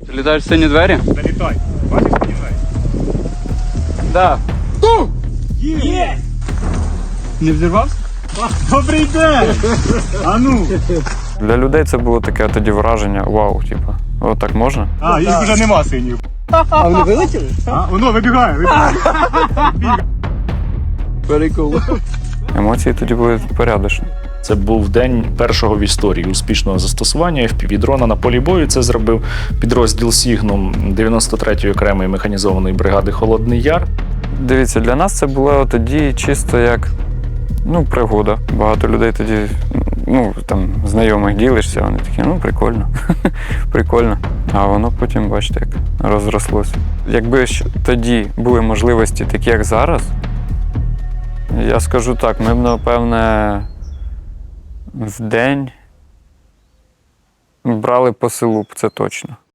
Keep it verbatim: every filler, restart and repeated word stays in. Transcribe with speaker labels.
Speaker 1: Ти літаєш в сині двері?
Speaker 2: Залітай. Бачиш сині двері?
Speaker 1: Да.
Speaker 2: Є!
Speaker 1: Не взірвався?
Speaker 2: Добрий день! А ну!
Speaker 3: Для людей це було таке тоді враження, вау, типу, от так можна?
Speaker 2: А, їх вже нема синів.
Speaker 1: А вони вилетіли?
Speaker 2: А, воно вибігає, вибігає.
Speaker 1: Перекол.
Speaker 3: Емоції тоді були порядочні.
Speaker 4: Це був день першого в історії успішного застосування еф пі ві-дрона на полі бою. Це зробив підрозділ Сігнум дев'яносто третьої окремої механізованої бригади «Холодний Яр».
Speaker 3: Дивіться, для нас це було тоді чисто як, ну, пригода. Багато людей тоді, ну, там, знайомих ділишся, вони такі, ну, прикольно, прикольно. А воно потім, бачите, як розрослося. Якби ж тоді були можливості такі, як зараз, я скажу так, ми б, напевне, в день брали по селу, це точно.